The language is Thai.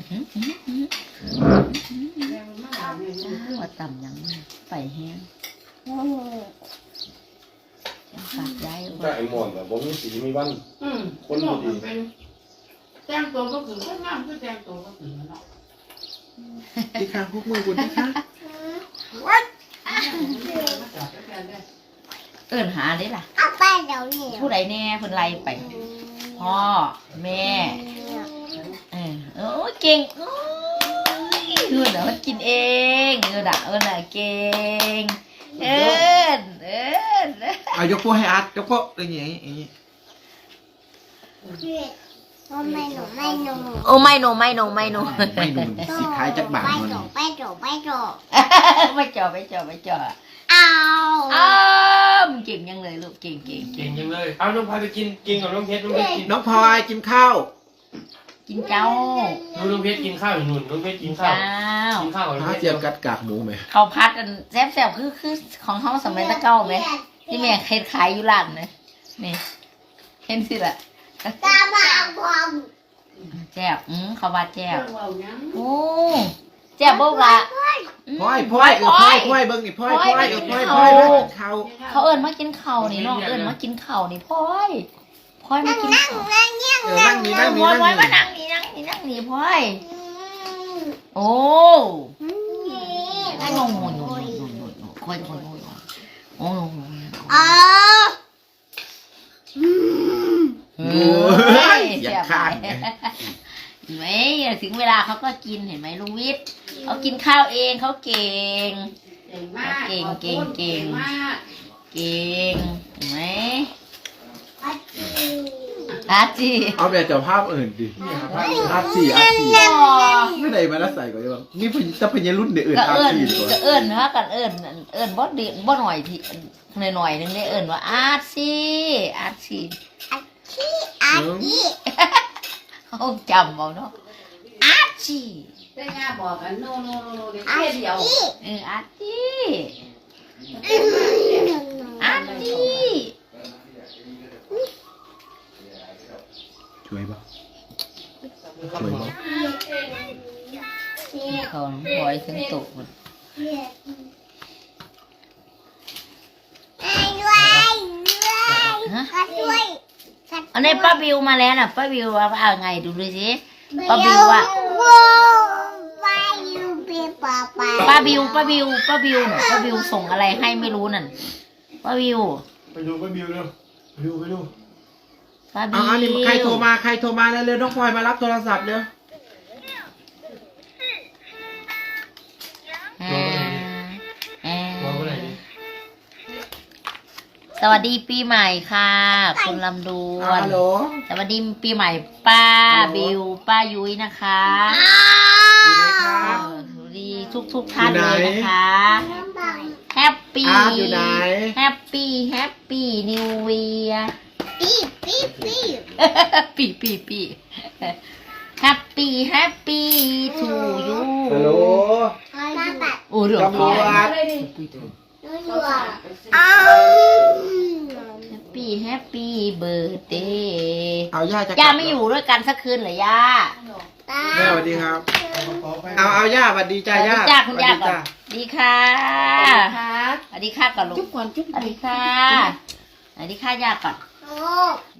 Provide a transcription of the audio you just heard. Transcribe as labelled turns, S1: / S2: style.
S1: ว่าต่ำยังไปแห้งฝากย้าย
S2: แต่ไอ้หมอนแบบบ่มีสีมีวันคนบ่ดี
S3: แต่งตัวก็คือคนงามคือแต่งตัวก็คือเนาะ
S4: ที่ข้างพวกมือคุณที่ข้าง
S1: เอิ้นหาได้ล่ะ
S5: เอาไปเดี๋ยวนี้
S1: ผู้ใดแน่เพิ่นไล่ไปพ่อแม่โอ้เก่งโอ้ยเอิ้นน่ะมันกินเองเอิ้นน่ะเก่งเอิ้น
S4: เอายกพวกให้อาร์ตยกพวกอย่างงี้อย่างงี้
S5: ไม่หนูไม่หนู
S1: โอ้ไม่โน
S4: ไม่นูนสีท้ายจักบาท
S5: ไม่
S4: มัน
S5: หนูไม่หนูไม่หนู
S1: ไม่จ่อ
S5: เอา
S1: เก่งยังเลยลูกเก่ง
S2: เก่งจังเลยเอาน้องพายไปกินกับน้องเพชรน้องเพชรกิน
S4: น้องพลอยกินข้าว
S1: กินเจ้า
S2: น้องเพชรกินข้าวอยู่นู่นน้องเพชรกินข้าวกินข้าวกับน้อง
S4: ข้าว
S2: เพชร
S4: เจียวกัดกากหมูไหม
S1: เขาพัดกันแซ่บคือของเขาสมัยตะเก้าไหมที่แม่เคยขายอยู่ร้านนะนี่เห็นสิล่ะ
S5: ตาบาบอม
S1: แซ่บเขาว่าแซ่บ
S3: เอาหยัง
S1: โอ้แซ่บบ่ละ
S4: พลอยเบิ้งนี่พลอยข้าว
S1: เขาเอิ้นมากินข้าวนี่น้องเอิ้นมากินข้าวนี่พลอยมากินข้าว
S5: นั่งเงี้ย
S4: นั่งนี่นั่ง
S1: พ
S4: นี่
S1: ลอย
S4: นั่ง
S1: มา
S4: นี่
S1: นั่งนี่พลอยโอ้ยงงค่อยโอ้
S5: อ๋อ
S4: อย่าข้าง
S1: เห็นไหมถึงเวลาเขาก็กินเห็นไหมลุงวิทย์เขากินข้าวเองเขาเก่ง
S3: เก่งมาก
S1: เก่ง
S3: มาก
S1: เก่งเก่งเห็นไหมอาจี
S4: เอาแบบเจ้าภาพอื่นดิอาร์สี่ไม่ได้มาแล้วใส่ก่อนยังนี่จะเป็นรุ่นเดือด
S1: ก็
S4: อาร์
S1: เอิญ
S4: สี่ก่อน
S1: ก็เอิญนะกันเอิญบ่ดีบ่หน่อยที่หน่อยนึงได้เอิญว่าอาจี
S5: อาชี
S1: เขาจำเอาเนาะอาจี
S3: แต่ย่าบอกกันโนเดี๋ยวแค่เดียว
S1: อาจีอาจี
S4: ช่วยป่ะ
S1: เขาปล่อยถึงตกหมด
S5: ด้วย
S1: อันนี้ป้าบิวมาแล้วน่ะป้าบิวว่าเอาไงดูสิป้าบิวว่าป้าบิวน่ะป้าบิวส่งอะไรให้ไม่รู้นั่นป้าบิว
S2: ไปดูป้าบิวเร็วไปดู
S1: ป้าบิ
S4: เอา
S1: ว
S4: อันนี้ใครโทรมาเร็วน้องพลอยมารับโทรศัพท์เร็ว
S1: สวัสดีปีใหม่ค่ะคุณลำดวน
S4: ฮัลโหล
S1: สวัสดีปีใหม่ป้าบิวป้ายุ้ยนะคะ
S4: อยู่ไหนครับ
S1: สวัสดีทุกท่านเลยนะคะแฮปปี้
S4: อยู่ไหน
S1: แฮปปี้นิวเวียปีแฮปปี้ทูยู
S4: ฮัลโหล
S1: โอ้เรื่อง
S4: ตำรวจ
S1: แฮปปี้เบิร์ดเดย์
S4: เอาย่าจะ
S1: ย่าไม่อยู่ด้วยกันสักคืนเหรอย่า
S4: แม่สวัสดีครับ เอาย่าสวัสดีจ้าย่า
S1: จ้าคุณย่าก่อนดีค่ะ
S3: ค่ะ
S1: สวัสดีค่ะก่อนลูก
S3: จุ๊บก่อนจุ๊บ
S1: สวัสดีค่ะสวัสดีค่ะย่าก่อน